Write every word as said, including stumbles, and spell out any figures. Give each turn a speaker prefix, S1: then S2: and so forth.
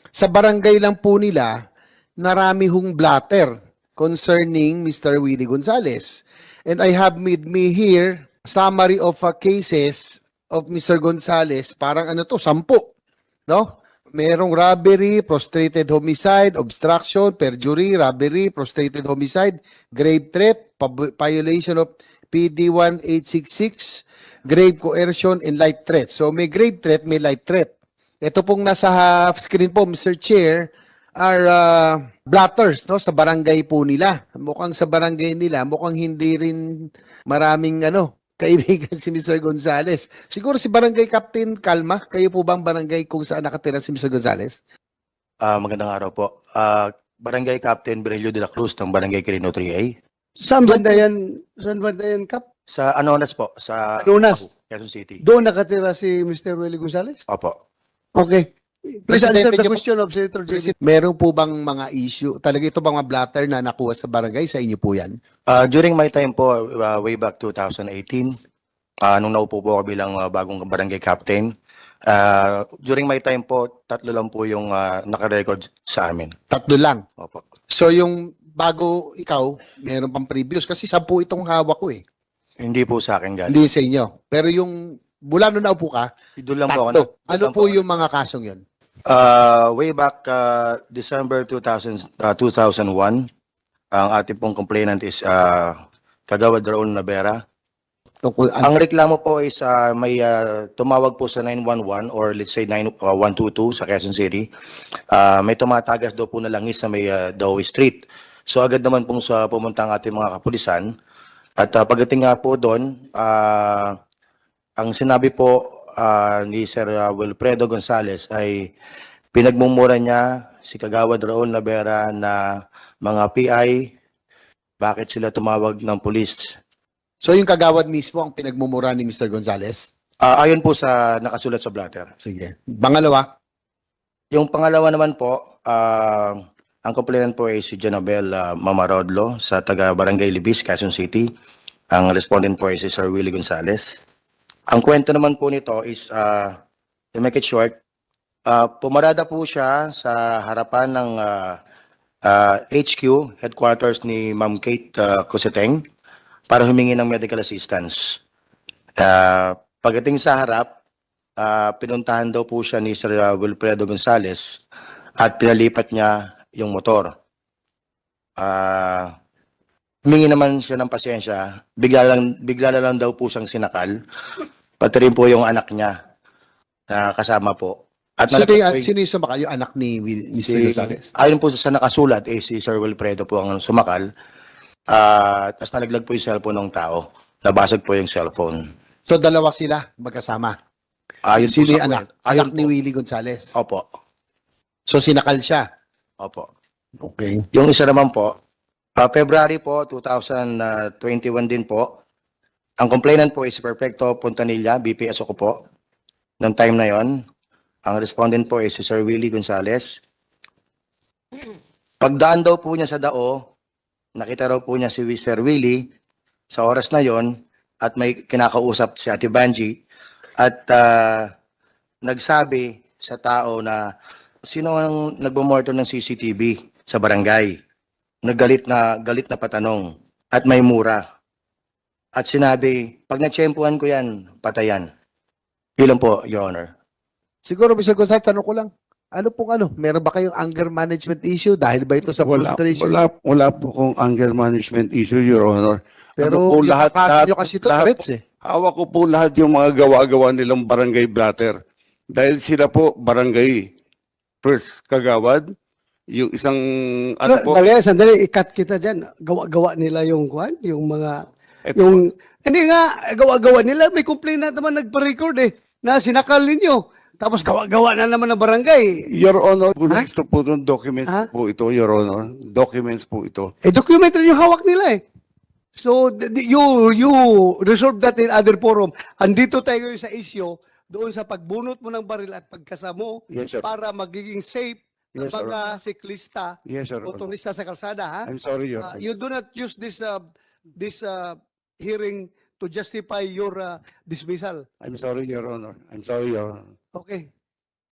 S1: Sa barangay lang po nila, narami hong blatter concerning Mister Willie Gonzales. And I have with me here summary of uh, cases of Mister Gonzales. Parang ano to, sampu. No? Merong robbery, prostrated homicide, obstruction, perjury, robbery, prostrated homicide, grave threat, pab- violation of P D one eight six six, grave coercion, and light threat. So may grave threat, may light threat. Ito pong nasa half screen po, Mister Chair, are uh, blatters no, sa barangay po nila. Mukhang sa barangay nila, mukhang hindi rin maraming ano, kaibigan si Mister Gonzales. Siguro si Barangay Captain Kalma, kayo po bang barangay kung saan nakatira si Mister Gonzales?
S2: Ah, magandang araw po. Ah, Barangay Captain Berelio de la Cruz ng Barangay Quirino three A.
S3: Saan banda yan, saan banda yan, Kap?
S2: Sa Anonas po, sa
S3: Anonas?
S2: Pacu, Quezon City.
S3: Doon nakatira si Mister Willie Gonzales?
S2: Opo.
S3: Okay. Please
S1: Presidente
S3: answer the
S1: niyo po-
S3: question of Senator J B.
S1: Meron po bang mga issue, talaga ito bang mga blatter na nakuha sa barangay, sa inyo po yan?
S2: Ah, during my time po, ah, way back two thousand eighteen, ah, nung naupo po ako bilang ah, bagong barangay captain, ah, during my time po, tatlo lang po yung ah, nakarecord sa amin.
S1: Tatlo lang.
S2: Opo.
S1: So yung bago ikaw, meron pang previous kasi sampu itong hawak ko eh.
S2: Hindi po sa akin galing.
S1: Hindi sa inyo. Pero yung mula nung naupo ka,
S2: Doon lang po ako.
S1: tatlo.
S2: doon
S1: Ano
S2: lang
S1: po yung mga kasong yun?
S2: Ah, way back ah, December two thousand, ah, two thousand one, ang ating pong complainant is ah, Kagawad Raul Navera.
S1: Tungkol,
S2: Ang reklamo po is ah, may ah, tumawag po sa nine one one or let's say nine one two two sa Quezon City. Ah, may tumatagas daw po na langis sa may uh, Daoy Street. So agad naman pong sa pumunta ang ating mga kapulisan. At ah, pagdating nga po doon, ah, ang sinabi po ah, ni Sir ah, Wilfredo Gonzales ay pinagmumura niya si Kagawad Raul Navera na mga P I, bakit sila tumawag ng pulis.
S1: so yung kagawad mismo ang pinagmumura ni Mister Gonzales?
S2: Ah, ayon po sa nakasulat sa blatter.
S1: Sige. Pangalawa,
S2: Yung pangalawa naman po, ah, ang complainant po ay si Janabel ah, Mamarodlo sa taga Barangay Libis, Quezon City. Ang respondent po ay si Sir Willie Gonzales. Ang kwento naman po nito is, uh, to make it short, ah, pumarada po siya sa harapan ng ah, ah, H Q, headquarters ni Ma'am Kate uh, Coseteng, para humingi ng medical assistance. Ah, pagdating sa harap, ah, pinuntahan daw po siya ni Sir ah, Wilfredo Gonzales at pinalipat niya yung motor. Ah, humingi naman siya ng pasensya, bigla lang, bigla na lang daw po siyang sinakal, pati rin po yung anak niya na kasama po. At
S1: sino,
S2: nalakas po
S1: yung,
S2: yung-
S1: sino yung sumakal? Yung anak ni Will- Mister
S2: si,
S1: Gonzales?
S2: ayon po sa nakasulat, eh, si Sir Wilfredo po ang sumakal. At tapos nalaglag po yung cellphone ng tao. Nabasag po yung cellphone.
S1: So dalawa sila magkasama.
S2: Ayon po
S1: Sino
S2: sa
S1: yung anak?
S2: kwento. Ayon
S1: Anak ni
S2: po.
S1: Willie Gonzales.
S2: Opo.
S1: So sinakal siya.
S2: Opo.
S1: Okay.
S2: Yung isa naman po, ah, February po, two thousand twenty-one din po, ang complainant po is Perfecto Puntanilla, B P S ako po. Noong time na yon, ang respondent po is si Sir Willie Gonzales. Pagdaan daw po niya sa dao, nakita raw po niya si Sir Willie sa oras na yon at may kinakausap si Ate Banji at ah, nagsabi sa tao na sino ang nagbumorto ng C C T V sa barangay. Naggalit na galit na patanong at may mura. At sinabi, pag natsyempuhan ko yan, patayan. Ilan po, Your Honor?
S1: Siguro Mister Gonzales, tanong ko lang. Ano pong ano? Meron ba kayong anger management issue? Dahil ba ito sa
S4: Wala,
S1: frustration?
S4: wala, wala po kong anger management issue, Your Honor.
S1: Pero
S4: Ano po,
S1: yung
S4: lahat-
S1: kaso
S4: lahat-
S1: nyo kasi ito,
S4: lahat
S1: threats
S4: po-
S1: eh.
S4: Hawak ko po lahat yung mga gawa-gawa nilang barangay blatter. Dahil sila po barangay first kagawad, yung isang ano po,
S3: Dali, sandali, ikat kita dyan. Gawa-gawa nila yung kwan, yung mga,
S4: Eto
S3: yung, hindi nga, gawa-gawa nila. May complaint na naman nagpa-record eh, na sinakal ninyo. Tapos gawa-gawa na naman ng barangay.
S4: Your Honor, gusto po ng documents
S3: Ha?
S4: po ito, Your Honor. Documents po ito.
S3: Eh, documentary yung hawak nila eh. So, th- th- you, you resolve that in other forum. Andito tayo ngayon sa issue, doon sa pagbunot mo ng baril at pagkasamo
S4: Yes, sir.
S3: para magiging safe ng
S4: Yes, sir.
S3: mga siklista,
S4: Yes, Your Honor.
S3: motorista sa kalsada, ha?
S4: I'm sorry, Your
S3: Uh,
S4: Honor.
S3: you do not use this uh, this uh, hearing to justify your uh, dismissal.
S4: I'm sorry, Your Honor. I'm sorry, Your Honor.
S3: Okay.